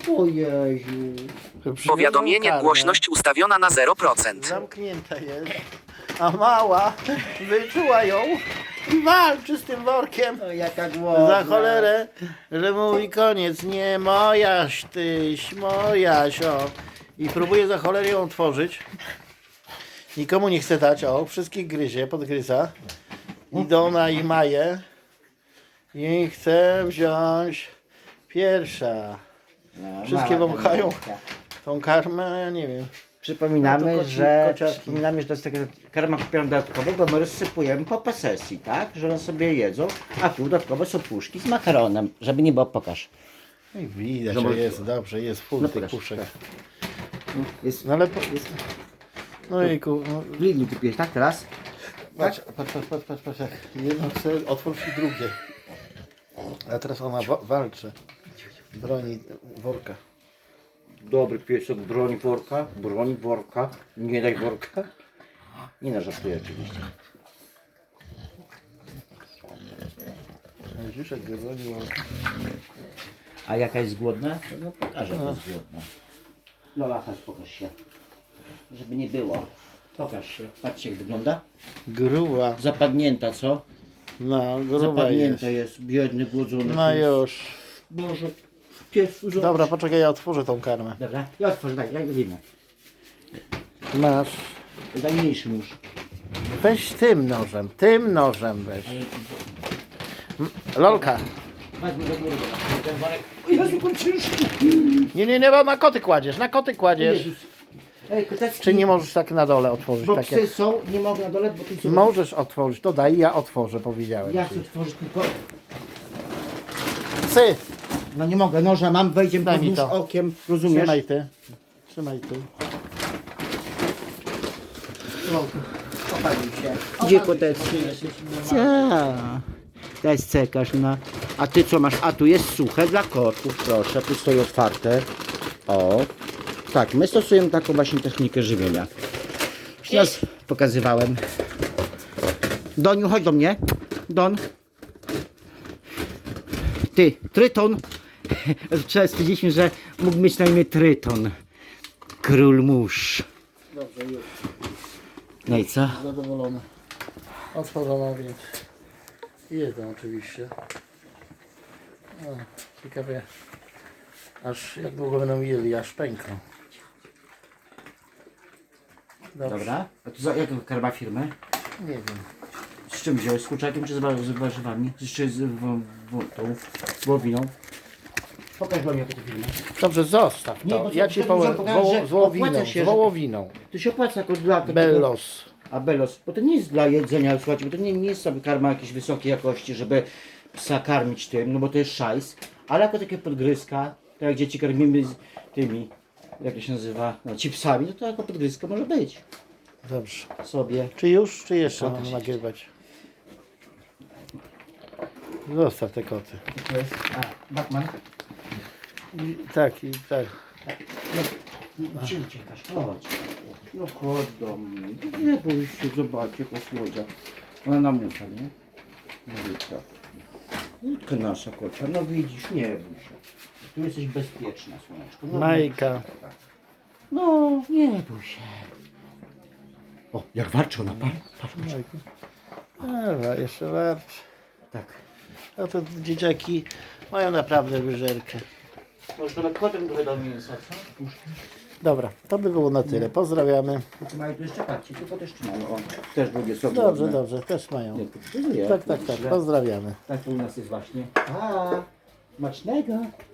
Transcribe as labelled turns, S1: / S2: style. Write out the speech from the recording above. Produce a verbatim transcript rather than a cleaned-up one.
S1: O Jezu.
S2: Powiadomienie,
S3: Karmę.
S2: głośność ustawiona na zero procent.
S3: Zamknięta jest. A mała wyczuła ją i walczy z tym workiem.
S1: O, jaka głodna.
S3: Za cholerę, że mówi koniec, nie mojaś tyś, mojaś, o. I próbuje za cholerę ją otworzyć. Nikomu nie chce dać, o, wszystkich gryzie, podgryza. Idą na ich maję. I chce wziąć pierwsza.
S1: No,
S3: Wszystkie
S1: mała
S3: wąchają
S1: karmeczka.
S3: tą karmę, a ja nie wiem.
S1: Przypominamy,
S3: No to koci-
S1: że
S3: kociaki.
S1: przypominamy, że to jest taka karma kupiona dodatkowo, bo my rozsypujemy po posesji, tak? Że one sobie jedzą, a tu dodatkowo są puszki z makaronem, żeby nie było, pokaż.
S3: No i widać,
S1: Zobacz.
S3: że jest dobrze, jest full
S1: No
S3: tych
S1: proszę,
S3: puszek.
S1: tak. Jest,
S3: No ale po, no jejku, no,
S1: w Lidlu kupiłeś, tak? Teraz?
S3: patrz, patrz, patrz, patrz, patrz, patrz, jak jedno chce otworzyć i drugie. A teraz ona wa walczy. Broni worka.
S1: Dobry piesek, broń worka, broń worka, nie daj worka. Nie na żartuję oczywiście.
S3: Widzisz, jak go broni worka.
S1: A jaka jest głodna? No pokażę, jak jest głodna. Lola, chodź, pokaż się. Żeby nie było. Pokaż się. Patrzcie, jak wygląda.
S3: Gruba.
S1: Zapadnięta, co?
S3: No, gruba jest.
S1: Zapadnięta jest. Biedny, głodzony.
S3: No już.
S1: Boże, pies urząd.
S3: Dobra, poczekaj, ja otworzę tą karmę.
S1: Dobra, ja otworzę, daj, daj winę.
S3: Masz.
S1: Daj mniejszy nóż.
S3: Weź tym nożem, tym nożem weź. M- Lolka.
S1: Weźmy do góry. Ten worek. O Jezu, on ciężki.
S3: Nie, nie, nie, bo na koty kładziesz, na koty kładziesz.
S1: Jezus. Ej, kotecki.
S3: Czy nie możesz tak na dole otworzyć?
S1: Bo
S3: Tak
S1: psy
S3: jak...
S1: są, nie mogę na dole, bo tu są...
S3: Możesz otworzyć, to daj, ja otworzę, powiedziałem
S1: Ja
S3: ci.
S1: chcę otworzyć tylko...
S3: Psy,
S1: No nie mogę, noża mam, wejdziemy
S3: Daj
S1: pod
S3: mi
S1: nóż
S3: to.
S1: okiem, rozumiesz?
S3: trzymaj ty. Trzymaj ty.
S1: Opalił się. Gdzie kotecki? Ja. To jest cekarz, no. A ty co masz? A tu jest suche dla kotów, proszę, tu stoi otwarte. O. Tak, my stosujemy taką właśnie technikę żywienia. Już raz pokazywałem. Doniu, chodź do mnie. Don. Ty, Tryton. Wczoraj stwierdziliśmy, że mógł mieć na imię Tryton. Król mórz.
S3: Dobrze, już.
S1: No i co?
S3: Zadowolony. Otworzona więc. Jedzą oczywiście. O, ciekawie. Aż jak długo będą jeli, aż pękną. Dobrze.
S1: Dobra. A to za jaką karma firmę?
S3: Nie wiem.
S1: Z czym wziąłeś? Z kurczakiem czy z, wa- z warzywami? Jeszcze z w, w, tą wołowiną? Pokaż wam jaką to firmę.
S3: Dobrze, zostaw
S1: Nie,
S3: to.
S1: bo to-
S3: Ja ci
S1: to
S3: powiem.
S1: muszę pokazać,
S3: Woło,
S1: że
S3: z wołowiną,
S1: opłaca się,
S3: z
S1: że-
S3: wołowiną.
S1: To się opłaca jako dla takiego...
S3: Bellos.
S1: A Bellos, bo to nie jest dla jedzenia, słuchajcie, bo to nie, nie jest sobie karma jakiejś wysokiej jakości, żeby psa karmić tym, no bo to jest szajs, ale jako takie podgryzka, tak jak dzieci karmimy z tymi, jak to się nazywa, no chipsami, no to jako podgryzka może być
S3: Dobrze.
S1: sobie.
S3: Czy już, czy jeszcze
S1: Pokaż
S3: mam
S1: jeszcze.
S3: nagrywać? Zostaw te koty.
S1: To jest, a, Batman.
S3: I, tak, i tak.
S1: No, gdzie uciekasz? Chodź. No chodź do mnie. Nie bój się, zobaczcie, jaka słodzia. Ona namucha, nie? Malutka. Łódka nasza kocia, no widzisz, nie bój się. Tu jesteś bezpieczna, słoneczko. No,
S3: Majka.
S1: No, nie bój się. O, jak warczy ona, patrz, patrz, patrz.
S3: Majku. Dobra, jeszcze warczy.
S1: Tak.
S3: A to dzieciaki mają naprawdę wyżerkę.
S1: Może nawet potem trochę do mięsa, co?
S3: Dobra, to by było na tyle. Pozdrawiamy.
S1: Tu mają tu jeszcze, patrzcie, tu też trzymają. O, też drugie są
S3: Dobrze,
S1: głodne.
S3: dobrze, też mają.
S1: Nie, pokazuję.
S3: Tak, tak, tak. Pozdrawiamy.
S1: Tak to u nas jest właśnie. A, smacznego.